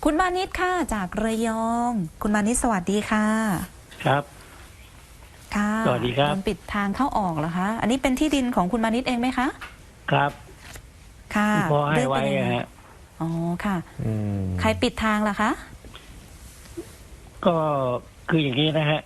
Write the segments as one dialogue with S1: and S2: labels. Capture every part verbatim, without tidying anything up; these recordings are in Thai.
S1: คุณมานิดค่ะจากระยอง คุณมานิดสวัสดีค่ะ
S2: ครับ
S1: ค่ะ
S2: สวัสดีครับ
S1: โดนปิดทางเข้าออกเหรอคะอันนี้เป็นที่ดินของคุณมานิดเองไหมคะ
S2: ครับ
S1: ค่ะ
S2: พอให้ไว้ฮะ
S1: อ๋อค่ะใครปิดทางล่ะคะ
S2: ก็คืออย่างนี้นะฮะ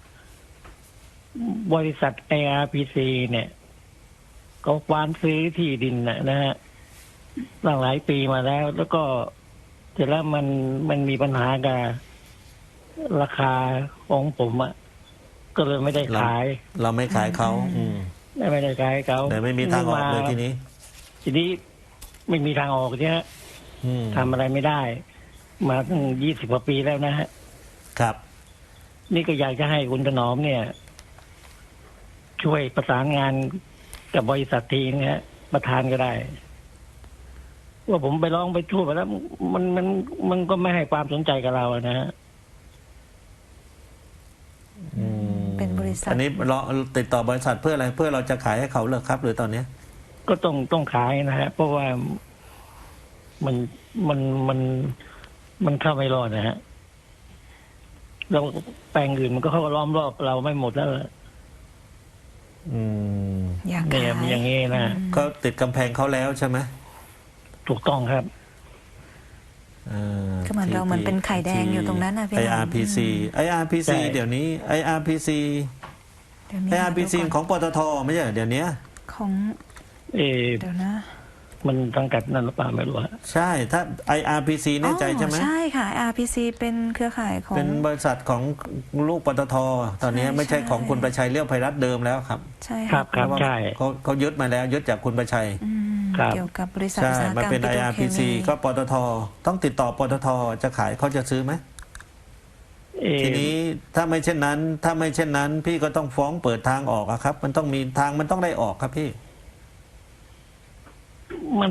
S2: บริษัท ไอ อาร์ พี ซี เนี่ยก็ควานซื้อที่ดินนะฮะหลายหลายปีมาแล้ว แล้วก็เสร็จแล้วมันมันมีปัญหากับราคาของผมอะก็เลยไม่ได้ขาย
S3: เราเราไม่ขายเขาอืม
S2: ไม่ได้ขายเขา
S3: แต่ไม่มีทางออกเลยทีนี้
S2: ทีนี้ไม่มีทางออกเนี่ยทำอะไรไม่ได้ มาตั้งยี่สิบกว่าปีแล้วนะฮะ
S3: ครับ
S2: นี่ก็อยากจะให้คุณถนอมเนี่ย ช่วยประสานงานกับบริษัททีนะฮะประธานก็ได้ว่าผมไปร้องไปทั่วไปแล้ว มันมันมันก็ไม่ให้ความสนใจกับเรานะฮะ
S1: เป็นบริษัท
S3: อันนี้เราติดต่อบริษัทเพื่ออะไรเพื่อเราจะขายให้เขาเหรอครับ หรือตอนนี้
S2: ก็ต้องต้องขายนะฮะเพราะว่ามันมันมันมันเข้าไม่รอดนะฮะเราแปลงอื่นมันก็เข้าล้อมรอบเราไม่หมดแล้ว
S3: อืม
S1: อย่าง
S2: เนี่ยอย่างนี้นะ
S3: ก็ติดกำแพงเขาแล้วใช่ไหม
S2: ถูกต้องครับ
S1: ก็เหมือนเราเหมือนเป็นไข่แดงอยู่ตรงนั้นนะพี่
S3: ไอ อาร์ พี ซี ไอ อาร์ พี ซี เดี๋ยวนี้ ไอ อาร์ พี ซี ไอ อาร์ พี ซี ของปตทไม่ใช่เดี๋ยวนี้
S1: ของ
S2: เอเดี๋ยวนะมันสังกัดนั่นหรือเปล่าไม่รู้ฮะ
S3: ใช่ถ้า ไอ อาร์ พี ซี แน่ใจใช่ไหม
S1: ใช่ค่ะ ไอ อาร์ พี ซี เป็นเครือข่ายของ
S3: เป็นบริษัทของลูกปตทตอนนี้ไม่ใช่ของคุณประชัยเลี้ยวไพรัตน์เดิมแล้วครับ
S1: ใช่
S2: ครับครับใช่
S3: เขาเขายึดมาแล้วยึดจากคุณประชัย
S1: เกี่ยวกับบริษัท
S3: ใช่มาเป็น ไอ อาร์ พี ซี ก็ปตทต้องติดต่อปตทจะขายเขาจะซื้อไหมทีนี้ถ้าไม่เช่นนั้น ถ้าไม่เช่นนั้น พี่ก็ต้องฟ้องเปิดทางออกครับมันต้องมีทางมันต้องได้ออกครับพี่
S2: มัน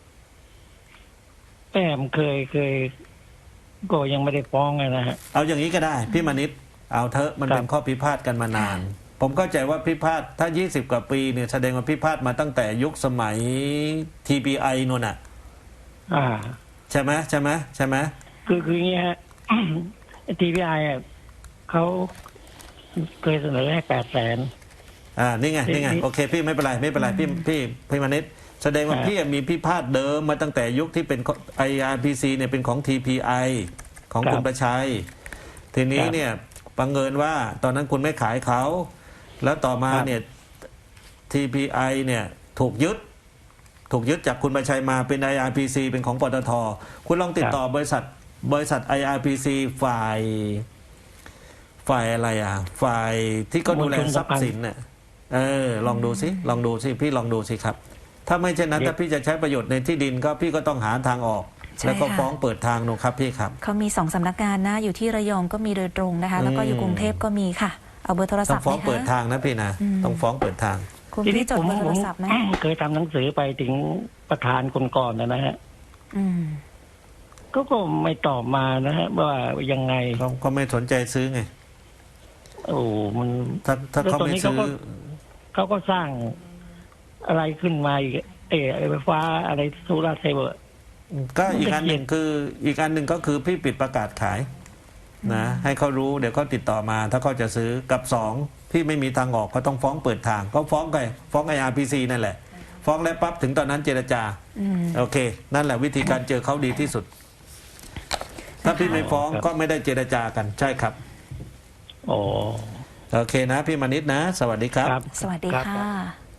S2: แอมเคยเคยก็ยังไม่ได้ฟ้องนะฮะ
S3: เอาอย่างนี้ก็ได้พี่มณิษฐ์เอาเถอะมันเป็นข้อพิพาทกันมานานผมเข้าใจว่าพิพาทถ้ายี่สิบกว่าปีเนี่ยแสดงว่าพิพาทมาตั้งแต่ยุคสมัย ที พี ไอ นู่นน่ะ
S2: อ่า
S3: ใช่ไหมใช่ไหมใช่ไหม
S2: คือคืออย่างนี้ฮะ ที พี ไอ อ่ะเขาเคยเสนอให้แปดแสน
S3: อ่านี่ไงนี่ไงโอเคพี่ไม่เป็นไรไม่เป็นไรพี่พี่พี่มณิษฐ์แสดงว่าพี่มีพิพาทเดิมมาตั้งแต่ยุคที่เป็น ไอ อาร์ พี ซี เนี่ยเป็นของ ที พี ไอ ของคุณประชัยทีนี้เนี่ยบังเอิญว่าตอนนั้นคุณไม่ขายเขาแล้วต่อมาเนี่ย ที พี ไอ เนี่ยถูกยึดถูกยึดจากคุณประชัยมาเป็น ไอ อาร์ พี ซี เป็นของปตทคุณลองติดต่อบริษัทบริษัท ไอ อาร์ พี ซี ฝ่ายฝ่ายอะไรอ่ะฝ่ายที่ก็ดูแลทรัพย์สินเนี่ยเออลองดูสิลองดูสิพี่ลองดูสิครับถ้าไม่เช่นนั้นถ้าพี่จะใช้ประโยชน์ในที่ดินก็พี่ก็ต้องหาทางออกแล้วก็ฟ้องเปิดทางนูครับพี่ครับ
S1: เขามีสองสำนักงานนะอยู่ที่ระยองก็มีโดยตรงนะคะแล้วก็อยู่กรุงเทพก็มีค่ะเอาเบอร์โทรศัพท์
S3: ต้องฟ้องเปิดทางนะพี่นะต้องฟ้องเปิดทาง
S1: คุณพี่จดเบอร์โทรศัพท์ไหม
S2: เคยทำหนังสือไปถึงประธานคนก่อนนะฮะก็ก็ไม่ตอบมานะฮะว่ายังไง
S3: เขาไม่สนใจซื้อไง
S2: โอ้มัน
S3: ถ้าถ้าเขาไม่ซื้อ
S2: เขาก็สร้างอะไรขึ้นมาอีกเออไฟฟ้าอะไรโซลาร์เซลล์
S3: ก็อีกอันหนึ่งคืออีกอันหนึ่งก็คือพี่ปิดประกาศขายนะให้เขารู้เดี๋ยวเขาติดต่อมาถ้าเขาจะซื้อกับสองพี่ไม่มีทางออกเขาต้องฟ้องเปิดทางก็ฟ้องไปฟ้อง ไอ อาร์ พี ซี นั่นแหละฟ้องแล้วปั๊บถึงตอนนั้นเจรจาโอเคนั่นแหละวิธีการเจอเขาดีที่สุดถ้าพี่ไม่ฟ้องก็ไม่ได้เจรจากันใช่ครับ
S2: โอ้
S3: โอเคนะพี่มณิษฐ์นะสวัสดีครับ
S1: สวัสดีค่ะ